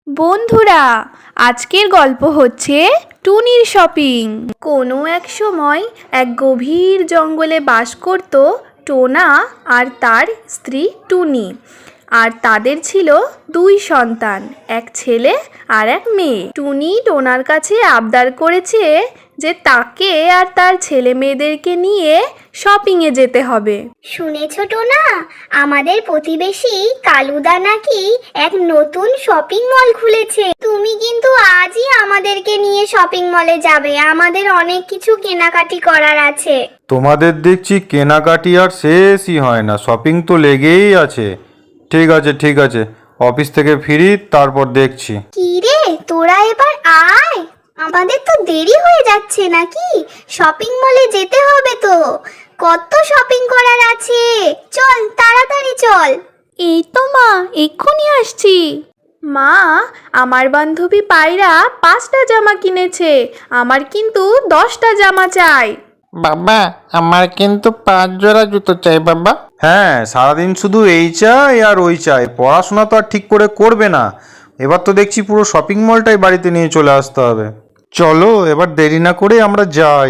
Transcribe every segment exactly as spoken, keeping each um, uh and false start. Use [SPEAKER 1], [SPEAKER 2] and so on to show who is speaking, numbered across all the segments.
[SPEAKER 1] বন্ধুরা, আজকের গল্প হচ্ছে টুনির শপিং। কোনো এক সময় এক গভীর জঙ্গলে বাস করত টোনা আর তার স্ত্রী টুনি। আর তাদের ছিল দুই সন্তান, এক ছেলে আর এক মেয়ে। টুনি টোনার কাছে আবদার করেছে যে তাকে আর তার ছেলে মেয়েদেরকে নিয়ে শপিংয়ে যেতে হবে।
[SPEAKER 2] শুনেছ টোনা, আমাদের প্রতিবেশী কালুদা নাকি এক নতুন শপিং মল খুলেছে। তুমি কিন্তু আজই আমাদেরকে নিয়ে শপিং মলে যাবে, আমাদের অনেক কিছু কেনাকাটি করার আছে।
[SPEAKER 3] তোমাদের দেখছি কেনাকাটি আর শেষই হয় না, শপিং তো লেগেই আছে। ঠিক আছে ঠিক আছে, অফিস থেকে ফিরি তারপর দেখছি।
[SPEAKER 2] কি রে, তোরা এবার আয়, আমাদের তো দেরি হয়ে যাচ্ছে নাকি? শপিং মলে যেতে হবে তো, কত শপিং করার আছে। চল তাড়াতাড়ি চল।
[SPEAKER 1] এই তো মা, এক্ষুনি আসছি। মা, আমার বান্ধবী পায়রা পাঁচটা জামা কিনেছে, আমার কিন্তু দশটা জামা চাই।
[SPEAKER 4] বাবা, আমার কিন্তু পাঁচ জোড়া জুতো চাই বাবা।
[SPEAKER 3] হ্যাঁ, সারাদিন শুধু এই চাই আর ওই চাই, পড়াশোনা তো আর ঠিক করে করবে না। এবার তো দেখছি পুরো শপিং মলটাই বাড়িতে নিয়ে চলে আসতে হবে। চলো এবার দেরি না করে আমরা যাই।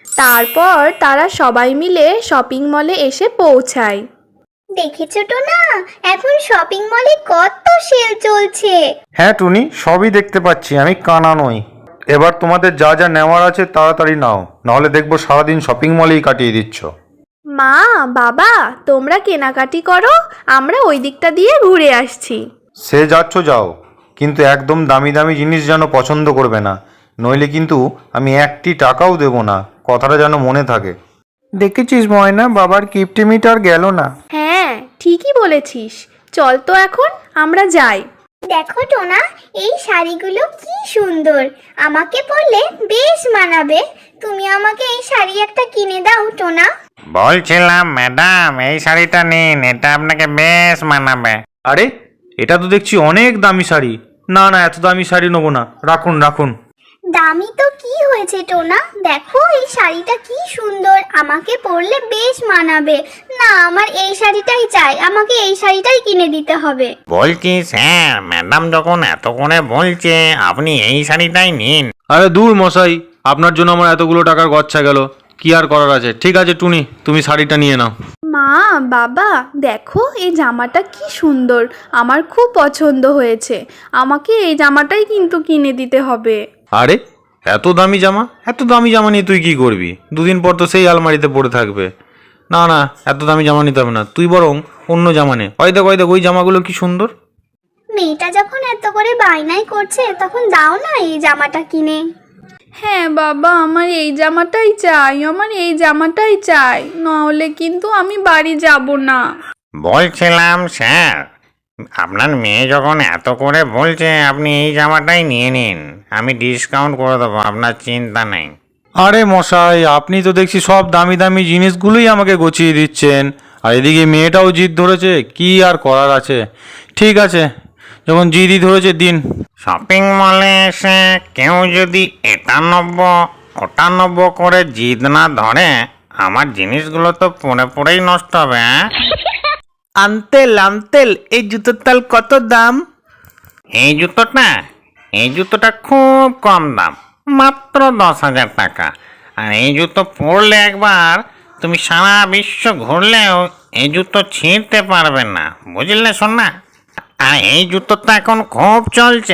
[SPEAKER 1] তারপর তারা সবাই মিলে শপিং মলে এসে পৌঁছায়।
[SPEAKER 2] দেখেছো টোনা, এখন শপিং মলে কত সেল চলছে।
[SPEAKER 3] হ্যাঁ টুনি, সবই দেখতে পাচ্ছি, আমি কানা নই। এবার তোমাদের যা যা নেওয়ার আছে তাড়াতাড়ি নাও, নাহলে দেখবো সারাদিন শপিং মলেই কাটিয়ে দিচ্ছ।
[SPEAKER 1] মা, বাবা, তোমরা কেনাকাটি করো, আমরা ওই দিকটা দিয়ে ঘুরে আসছি।
[SPEAKER 3] সে যাচ্ছ যাও, কিন্তু একদম দামি দামি জিনিস যেন পছন্দ করবে না, নইলে কিন্তু আমি একটি টাকাও দেব না, কথাটা যেন মনে থাকে। দেখেছিস ময়না, বাবার কিপটিমিট আর গেল না।
[SPEAKER 1] হ্যাঁ, ঠিকই বলেছিস। চল তো এখন আমরা যাই।
[SPEAKER 2] দেখো টোনা, এই শাড়িগুলো কি সুন্দর, আমাকে পরলে বেশ মানাবে। তুমি আমাকে এই শাড়ি একটা কিনে দাও টোনা।
[SPEAKER 4] বলছিলাম ম্যাডাম, এই শাড়িটা নিন, এটা আপনাকে বেশ মানাবে।
[SPEAKER 3] আরে, এটা তো দেখছি অনেক দামি শাড়ি। না না, এত দামি শাড়ি নেবো না, রাখুন রাখুন।
[SPEAKER 2] দামি তো কি হয়েছে টোনা, দেখো এই শাড়িটা কি সুন্দর, আমাকে পরলে বেশ মানাবে। না, আমার এই শাড়িটাই চাই, আমাকে এই শাড়িটাই কিনে দিতে হবে।
[SPEAKER 4] বলছি স্যার, ম্যাডাম যখন এত করে বলছে, আপনি এই শাড়িটাই নিন।
[SPEAKER 3] আরে দূর মশাই, আপনার জন্য আমার এতগুলো টাকার গচ্ছা গেল, কি আর করার আছে। ঠিক আছে টুনি, তুমি শাড়িটা নিয়ে নাও।
[SPEAKER 1] মা, বাবা, দেখো এই জামাটা কি সুন্দর, আমার খুব পছন্দ হয়েছে। আমাকে এই জামাটাই কিন্তু কিনে দিতে হবে।
[SPEAKER 3] আরে, এত দামি জামা, এত দামি জামা নিয়ে তুই কি করবি? দুদিন পর তো সেই আলমারিতে পড়ে থাকবে। না না, এত দামি জামা নিতে হবে না, তুই বরং অন্য জামা নে। ওই দেখ ওই দেখ, ওই জামাগুলো কি সুন্দর।
[SPEAKER 2] মেয়েটা যখন এত করে বায়নাই করছে, তখন দাও না এই জামাটা কিনে।
[SPEAKER 1] হ্যাঁ বাবা, আমার এই জামাটাই চাই, আমার এই জামাটাই চাই, নাহলে কিন্তু আমি বাড়ি যাব না।
[SPEAKER 4] বলছিলাম স্যার, আপনার মেয়ে যখন এত করে বলছে, আপনি এই জামাটাই নিয়ে নিন, আমি ডিসকাউন্ট করে দেবো, আপনার চিন্তা নেই।
[SPEAKER 3] আরে মশাই, আপনি তো দেখছি সব দামি দামি জিনিসগুলোই আমাকে গছিয়ে দিচ্ছেন, আর এদিকে মেয়েটাও জিদ ধরেছে, কি আর করার আছে। ঠিক আছে, যখন জিদই ধরেছে দিন।
[SPEAKER 4] শপিং মলে এসে কেউ যদি এটা নব্য ওটা নব্য করে জিদ না ধরে, আমার জিনিসগুলো তো পড়ে পড়েই নষ্ট হবে। হ্যাঁ,
[SPEAKER 5] আন্তেল আন্তেল এই জুতোর তাল কত দাম?
[SPEAKER 4] এই জুতোটা এই জুতোটা খুব কম দাম, মাত্র দশ হাজার টাকা। আর এই জুতো পরলে একবার তুমি সারা বিশ্ব ঘুরলেও এই জুতো ছিঁড়তে পারবে না, বুঝলে শোনা? আর এই জুতোটা এখন খুব চলছে।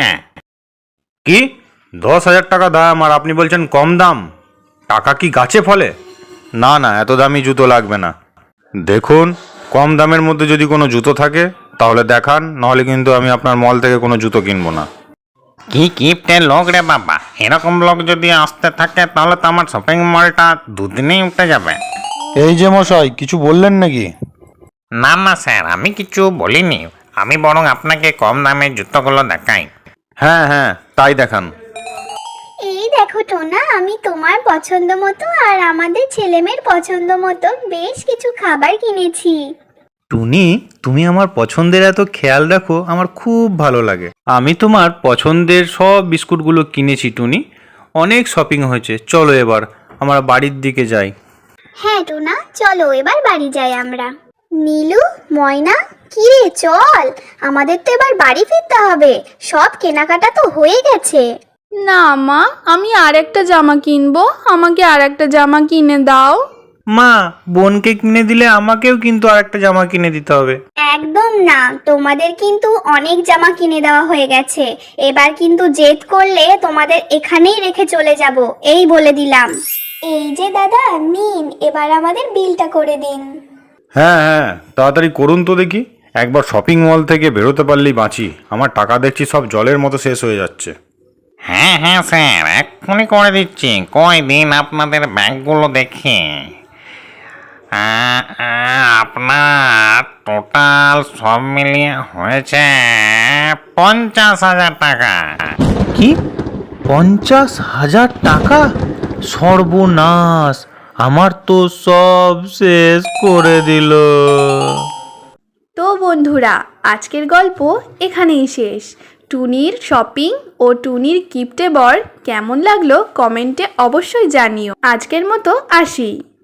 [SPEAKER 3] কি, দশ হাজার টাকা দাম আর আপনি বলছেন কম দাম? টাকা কি গাছে ফলে? না না, এত দামি জুতো লাগবে না। দেখুন, কম দামের মধ্যে যদি কোনো জুতো থাকে তাহলে দেখান, নাহলে কিন্তু আমি আপনার মল থেকে কোনো জুতো কিনবো না।
[SPEAKER 4] কি কিপ্টের লোক রে বাবা, এরকম লোক যদি আসতে থাকে তাহলে তো আমার শপিং মলটা দুদিনেই উঠে যাবে।
[SPEAKER 3] এই যে মশাই, কিছু বললেন নাকি?
[SPEAKER 4] না না স্যার, আমি কিছু বলিনি, আমি বরং আপনাকে কম দামের জুতোগুলো দেখাই।
[SPEAKER 3] হ্যাঁ হ্যাঁ, তাই দেখান।
[SPEAKER 2] এই দেখো টোনা, আমি তোমার পছন্দ মতো আর আমাদের ছেলেমেয়ের পছন্দ মতো বেশ কিছু খাবার কিনেছি।
[SPEAKER 3] টুনি, তুমি আমার পছন্দের এত খেয়াল রাখো, আমার খুব ভালো লাগে। আমি তোমার পছন্দের সব বিস্কুটগুলো কিনেছি টুনি, অনেক শপিং হয়েছে। চলো এবার আমরা বাড়ির দিকে যাই।
[SPEAKER 2] হ্যাঁ টোনা, চলো এবার বাড়ি যাই আমরা। নীলু, ময়না, কি রে চল, আমাদের তো এবার বাড়ি ফিরতে হবে, সব কেনাকাটা তো হয়ে গেছে।
[SPEAKER 1] না মা, আমি আর একটা জামা কিনবো, আমাকে আর একটা জামা কিনে দাও।
[SPEAKER 5] মা, বোনকে কিনে দিলে আমাকেও কিন্তু আর একটা জামা কিনে দিতে হবে।
[SPEAKER 2] একদম না, তোমাদের কিন্তু অনেক জামা কিনে দেওয়া হয়ে গেছে, এবার কিন্তু জেদ করলে তোমাদের এখানেই রেখে চলে যাব, এই বলে দিলাম। এই যে দাদা নিন, এবার আমাদের বিলটা করে দিন।
[SPEAKER 3] হ্যাঁ হ্যাঁ, তাড়াতাড়ি করুন তো দেখি। একবার শপিং মল থেকে বেরোতে পারলেই বাঁচি। আমার টাকা দেখছি সব জলের মতো শেষ হয়ে যাচ্ছে।
[SPEAKER 4] হ্যাঁ হ্যাঁ স্যার, এক্ষুনি করে দিচ্ছি। কয় দিন আপনাদের ব্যাগগুলো দেখি। আ- আ- আপনার টোটাল সব মিলিয়ে হয়েছে পঞ্চাশ হাজার টাকা।
[SPEAKER 5] কি, পঞ্চাশ হাজার টাকা? সর্বনাশ, আমার তো সব শেষ করে দিল।
[SPEAKER 1] তো বন্ধুরা, আজকের গল্প এখানেই শেষ। টুনির শপিং ও টুনির গিফটে বর কেমন লাগলো কমেন্টে অবশ্যই জানিও। আজকের মতো আসি।